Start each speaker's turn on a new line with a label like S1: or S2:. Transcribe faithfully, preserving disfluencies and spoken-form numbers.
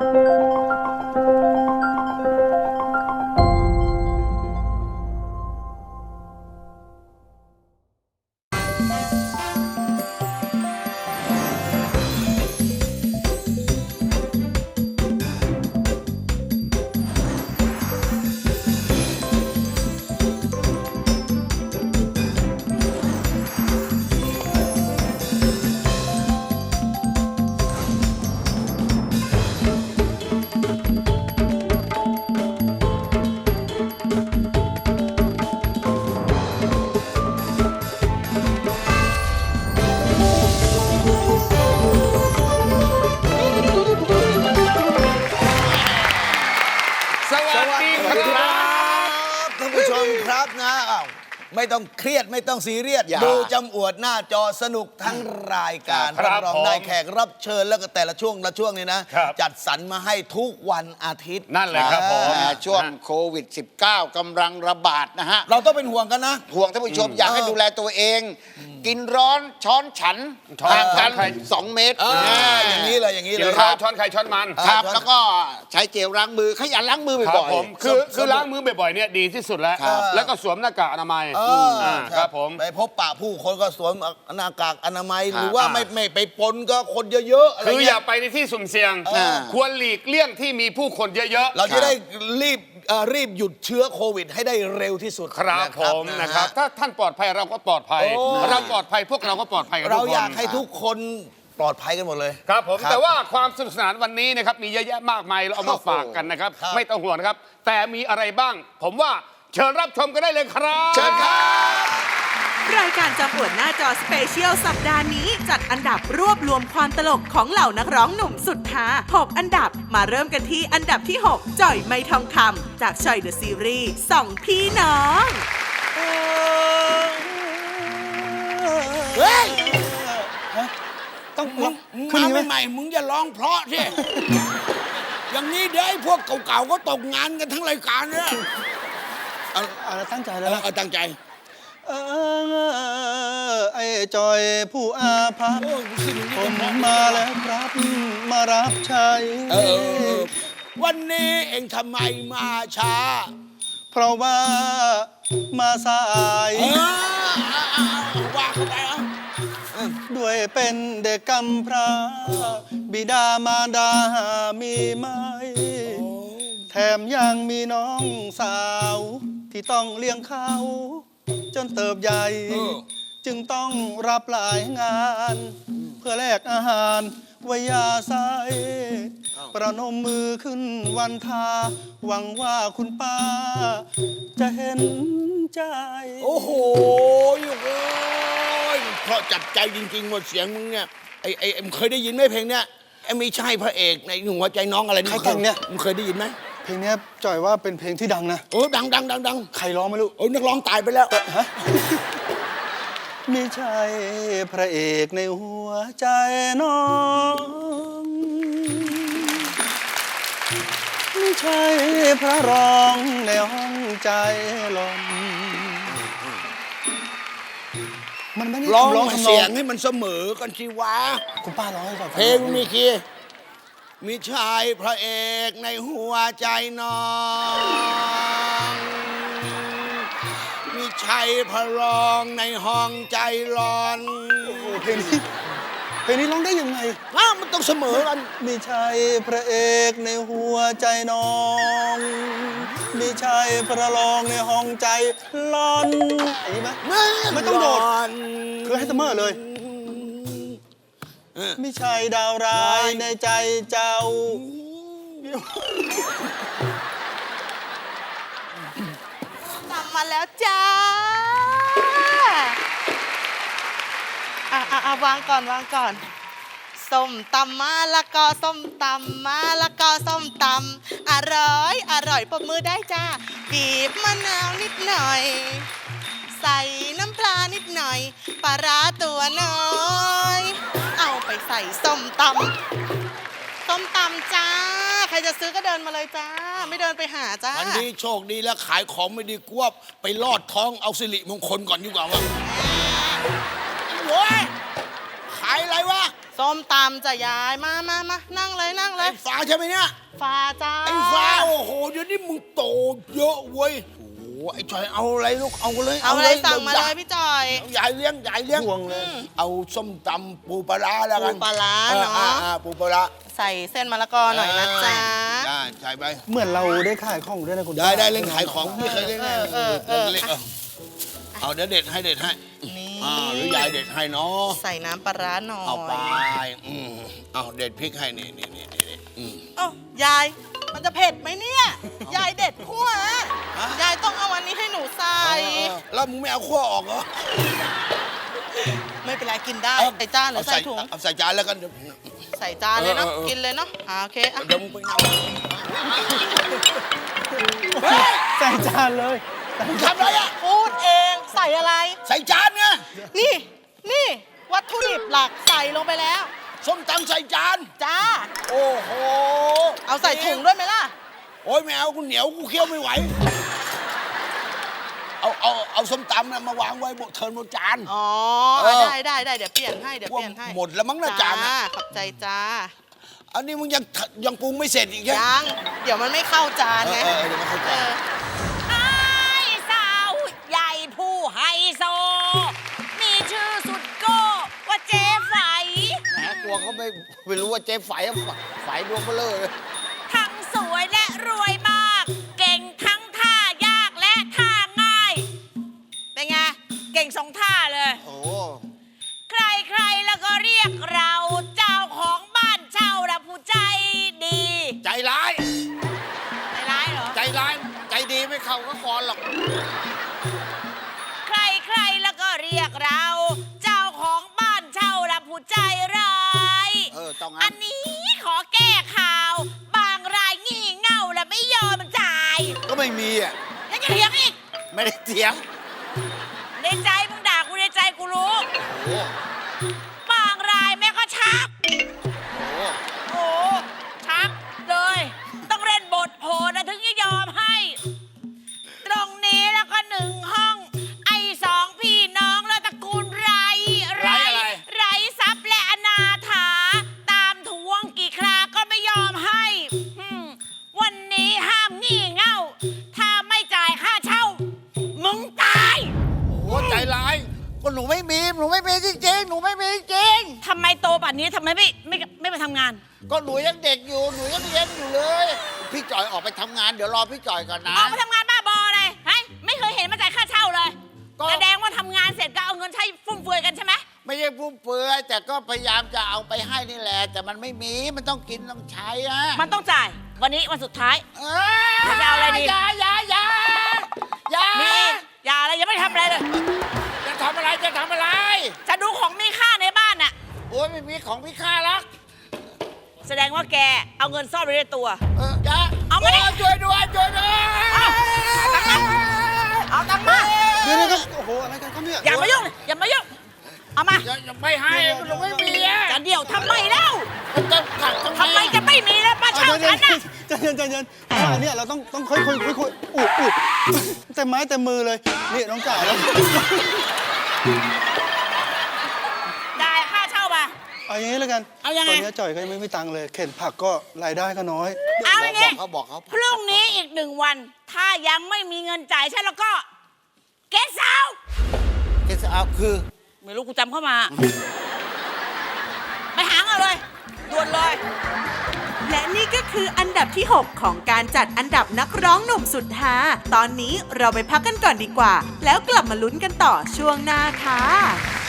S1: ไม่ต้องเครียดไม่ต้องซีเรียสดูจำอวดหน้าจอสนุกทั้งรายการรับรองได้แขกรับเชิญแล้วก็แต่ละช่วงละช่วงนี้นะจัดสรรมาให้ทุกวันอาทิตย์
S2: นั่นแหละครับผม
S3: ช่วงโควิด สิบเก้า กำลังระบาดนะฮะ
S1: เราต้องเป็นห่วงกันนะ
S3: ห่วงท่านผู้ชมอยากให้ดูแลตัวเองกินร้อนช้อนฉันห่างกันสองเมตร
S1: อย่างนี้เลยอย่างนี้เลย
S2: ช้อนใครช้อนมัน
S3: ครับแล้วก็ใช้เจลล้างมือขยันล้างมือบ่อย
S2: ๆคือคือล้างมือบ่อยๆเนี่ยดีที่สุดแล้วแล้วก็สวมหน้ากากอนามัยครับผม
S1: ไปพบปะผู้คนก็สวมหน้ากากอนามัยหรือว่าไม่ไม่ไปปนก็คนเยอะๆ
S2: คืออย่าไปในที่สุ่มเสี่ยงควรหลีกเลี่ยงที่มีผู้คนเยอะๆ
S1: เราจะได้รีบรีบหยุดเชื้อโควิดให้ได้เร็วที่สุด
S2: ครับผมนะครับถ้าท่านปลอดภัยเราก็ปลอดภัยเราปลอดภัยพวกเราก็ปลอดภัย
S1: เราอยากให้ทุกคนปลอดภัยกันหมดเลย
S2: ครับผมแต่ว่าความสนุกสนานวันนี้นะครับมีเยอะแยะมากมายเราเอามาฝากกันนะครับไม่ต้องห่วงนะครับแต่มีอะไรบ้างผมว่าเชิญรับชมกันได้เลยครับ
S1: เชิญครับ
S4: รายการจำอวดหน้าจอสเปเชียลสัปดาห์นี้จัดอันดับรวบรวมความตลกของเหล่านักร้องหนุ่มสุดฮาหกอันดับมาเริ่มกันที่อันดับที่หกจ่อยไม่ทองคำจากจ่อยเดอะซีรีส์สองพี่น้อง
S1: เฮ้ยต้องมาใหม่ๆมึงอย่าร้องเพราะสิอย่างนี้เดี๋ยวไอ้พวกเก่าๆก็ตกงานกันทั้งรายการเนี่ย
S5: เอาเอาตั้งใจแล้ว
S1: เอาตั้งใจ
S5: เออไอ้จอยผู้อาภัพผมมาแล้วครับมารับใช้
S1: วันนี้เองทำไมมาช้า
S5: เพราะว่ามาสาย
S1: ว่าเข้าไป
S5: ด้วยเป็นเด็กกำพร้าบิดามารดามีไหมแถมยังมีน้องสาวที่ต้องเลี้ยงเขาจนเติบใหญ่จึงต้องรับหลายงานเพื่อแลกอาหารวิยาไซประนมมือขึ้นวันทาหวังว่าคุณป้าจะเห็นใจ
S1: โอ้โหโอ้ยเพราะจับใจจริงๆหมดเสียงมึงเนี่ยไอ้ไอ้มึงเคยได้ยินไหมเพลงเนี้ยไอ้ไม่ใช่พระเอกในหัวใจน้องอะไรนี่
S5: ใครเพลงเนี้ย
S1: มึงเคยได้ยินไหม
S5: เพลงนี้จ่อยว่าเป็นเพลงที่ดังนะ
S1: โอ้ดังดังดังดัง
S5: ใครร้องไม่รู้
S1: โอ้นักร้องตายไปแล้ว
S5: ฮะไม่ใช่พระเอกในหัวใจน้องไม่ใช่พระรองในห้องใจลม
S1: มันไม่ได้ร้องเสียงให้มันเสมอกันสิวะ
S5: คุณป้าร้องให้ฟัง
S1: เพลงมีคีย์มีชายพระเอกในหัวใจน้องมีชัยพระรองในห้องใจร้อน
S5: เพลงนี้เพลงนี้ร้องได้ยังไง
S1: อ้าวมันต้องเสมอกัน
S5: มีชัยพระเอกในหัวใจน้องมีชัยพระรองในห้องใจร้อนอย่างนี้ไหมไม่ต้องโดดคือให้เสมอเลยไม่ใช่ดาวร้ายในใจเจ้าก
S4: ลับมาแล้วจ้าอ่ะอ่ะวางก่อนวางก่อนส้มตำมะละกอส้มตำมะละกอส้มตำอร่อยอร่อยปรบมือได้จ้าบีบมะนาวนิดหน่อยใส่น้ำปลานิดหน่อยปลาร้าตัวน้อยเอาไปใส่ส้มตำส้มตำจ้าใครจะซื้อก็เดินมาเลยจ้าไม่เดินไปหาจ้า
S1: วันนี้โชคดีแล้วขายของไม่ดีกว่าไปลอดท้องเอาสิริมงคลก่อนดีกว่าวะโว้ยขายอะไรวะ
S4: ส้มตำจะยายมามามานั่งเลยนั่งเล
S1: ไอ้
S4: ย
S1: ฟ้าใช่ไหมเนี่ย
S4: ฟ้าจ้า
S1: ไอ้ฟ้าโอ้โหเดี๋ยวนี้มึงโตเยอะเว้ยโอ้โหไอ้จอยเอาอะไรลูกเอาเลย
S4: เอาอะไรสั่งมาเลยพี่จอย
S1: เอายายเลี้ยงยายเลี้ยง
S5: ห่วงเลย
S1: เอาส้มตำปูปลาร้าแล้วกัน
S4: ปูปลาร้า
S1: ออ
S4: เนาะ
S1: อ่อ่ปูปลาร้า
S4: ใส่เส้นมะละกอหน่อยนะจ๊ะ
S1: ได้ใช่ไป
S5: เหมือนเราได้ขายของด้วยนะคุณ
S1: ได้ได้เล่นขายของไม่เคยเล่น
S4: เออเออเออ
S1: เล่นเออเอาเดี๋ยวเด็ดให้เด็ดให้
S4: นี่
S1: อ่าหรือยายเด็ดให้เนาะ
S4: ใส่น้ำปลาร้าหน่อย
S1: เอาไปอืมเอาเด็ดพริกให้นี่นี่นี่นี่อืม
S4: เอ้ายาย มันจะเผ็ดไหมเนี่ย ยายเด็ดขั้วอะยายต้องเอาอันนี้ให้หนูใส่
S1: เออแล้วมึงไม่เอาขั้วออกเหรอ
S4: ไม่เป็นไรกินได้ใส่จานหรือใส่ถุง
S1: เอาใส่จานแล้วกันเดี๋ยว
S4: ใส่จานเลยเนาะ
S1: เออเออเออ
S4: กินเลยเนาะอ่าโอเคอ่ะ
S1: เดี๋ยวมึงไปนั่ง
S5: ใส่จานเลย
S1: มึงทำอะไรอ่ะ
S4: พูดเองใส่อะไร
S1: ใส่จานไง
S4: นี่ นี่ วัตถุดิบหลักใส่ลงไปแล้ว
S1: ส้มตำใส่จาน
S4: จ้า
S1: โอ้โห
S4: เอาใส่ถุงด้วยไหมล่ะ
S1: โอ้ยไม่เอากูเหนียวกูเคี้ยวไม่ไหว เอาเอาเอาส้มตำน่ะมาวางไว้บนเทิร์นบนจาน
S4: อ๋อ
S1: เออ
S4: ได้ได้ได้เดี๋ยวเปลี่ยนให้เดี๋ยวเปลี่ยนให้
S1: หมดแล้วมั้งนะจานน่ะ
S4: ขอบใจจ้า
S1: อันนี้มึงยังยังปรุงไม่เสร็จอีกใช่ไหม
S4: ยัง เดี๋ยวมันไม่เข้าจานไง
S1: เออเออเดี๋ยวมันเข้าใจ
S4: เออ
S6: ไอ้สาวใหญ่ผู้ไฮโซ มีชื่อสุดโก้ว่าเจ๊ไฝ
S3: แหมกลัวเขาไม่ไม่รู้ว่าเจ๊ไฝอะไฝดวงเบลอเลย
S6: ทั้งสวยและรวยมาก เก่งทั้งท่ายากและท่าง่าย เป็นไง เก่งสองท่าเลย
S3: โอ้
S6: ใครๆแล้วก็เรียกเราเจ้าของบ้านเช่าและผู้ใจดี
S3: ใจร้าย
S6: ไม่ร้ายเหรอ
S3: ใจร้ายใจดีไม่เข้าก็คอนหรอก
S6: ใครๆแล้วก็เรียกเรา เจ้าของบ้านเช่าและผู้ใจร้าย
S3: เออต้อง
S6: อั
S3: งั้
S6: น
S3: น
S6: นี้ขอแก้ข่าว บางรายงี่เง่าและไม่ยอมจ่าย
S3: ก็ไม่มีอ่ะ
S6: ยังจะเถียงอีก
S3: ไม่ได้เถียง
S6: ในใจมึงด่ากูในใจกูรู้
S3: โอ้
S6: บางรายแม่ก็ชัก
S3: โห
S6: โอ้ชักเลย ต้องเล่นบทโหดนะถึงจะยอมให้ ตรงนี้แล้วก็หนึ่งห้อง ไอ้สองพี่น้องแล้วตระกูลไรไรไรทรัพย์และอนาถา ตามทวงกี่คราก็ไม่ยอมให้หึ่มวันนี้ห้ามงี่เง่า ถ้าไม่จ่ายค่าเช่า มึงตาย
S3: โอ้ใจร้ายก็หนูไม่มี หนูไม่มีจริงๆ หนูไม่มีจริง
S6: ทำไมโตป่านนี้ทำไมไม่ไม่ไม่ไปทำงาน
S3: ก็หนูยังเด็กอยู่ หนูยังเรียนอยู่เลย พี่จ่อยออกไปทำงาน เดี๋ยวรอพี่จ่อยก่อนนะ
S6: ออกไปทำงานบ้าบออะไรเฮ้ยไม่เคยเห็นมาจ่ายค่าเช่าเลย
S3: ก็
S6: แสดงว่าทำงานเสร็จก็เอาเงินใช้ฟุ่มเฟือยกันใช่ไหม
S3: ไม่ใช่ฟุ่มเฟือยแต่ก็พยายามจะเอาไปให้นี่แหละ แต่มันไม่มี มันต้องกินต้องใช้อะ
S6: มันต้องจ่าย วันนี้วันสุดท้าย
S3: เอ
S6: จะเอาอะไรดี
S3: อย่าอย่าอย่าอย่า
S6: มีอย่าอะไรยังไม่ทำอะไรเลย
S3: จะทำอะไรจะทำอะไร
S6: จะดูของมีค่าในบ้านน่ะ
S3: โอ้ยไม่มีของพี่ค่าหรอก
S6: แสดงว่าแกเอาเงินซ่อนไว้ในตัว
S3: เอออย่า
S6: เอามาดิ
S3: โช่วยด้วยช่วยด้วย
S6: เอาตังค์มา
S5: เดี๋ยวนะครับโอ้โหอะไรกันครับเนี่ย
S6: อย่ามายุ่งเลยอย่ามายุ่งเอามา
S3: อย่าอย่าไม่ให้หนูไม่มีอะ
S6: จะเดี่ยวทำไมเล่า
S3: มันจะขัดตรงนี้
S6: ทำไมจะไม่มีแล้วป้า
S5: เอา
S6: เช่า
S5: ใจเย็
S6: ฉั
S5: น
S6: นน่ะ
S5: ใจเย็นใจเย็นเพราะว่าเนี่ยเราต้องต้องค่อยค่อยค่อยค่อยอุดอุดเต็มไม้เต็มมือเลยนี่น้องจ่ายแล้ว
S6: ได้ค่าเช่ามา
S5: เอาอย่างนี้แล้วกัน
S6: เอายังไง
S5: ตอนนี้จ่อยก็ยังไม่มีตังค์เลย เข็นผักก็รายได้ก็น้อย
S6: เอาอย่างงี้
S3: เขาบอกเขา
S6: พรุ่งนี้อีกหนึ่งวัน ถ้ายังไม่มีเงินจ่ายฉันแล้วก็เกสาว
S3: เกสเอาคือ
S6: ไม่รู้กูจำเข้ามา ไปหาเอาเลยด่วนเลย
S7: และนี่ก็คืออันดับที่ หก ของการจัดอันดับนักร้องหนุ่มสุดฮาตอนนี้เราไปพักกันก่อนดีกว่า แล้วกลับมาลุ้นกันต่อช่วงหน้าค่ะ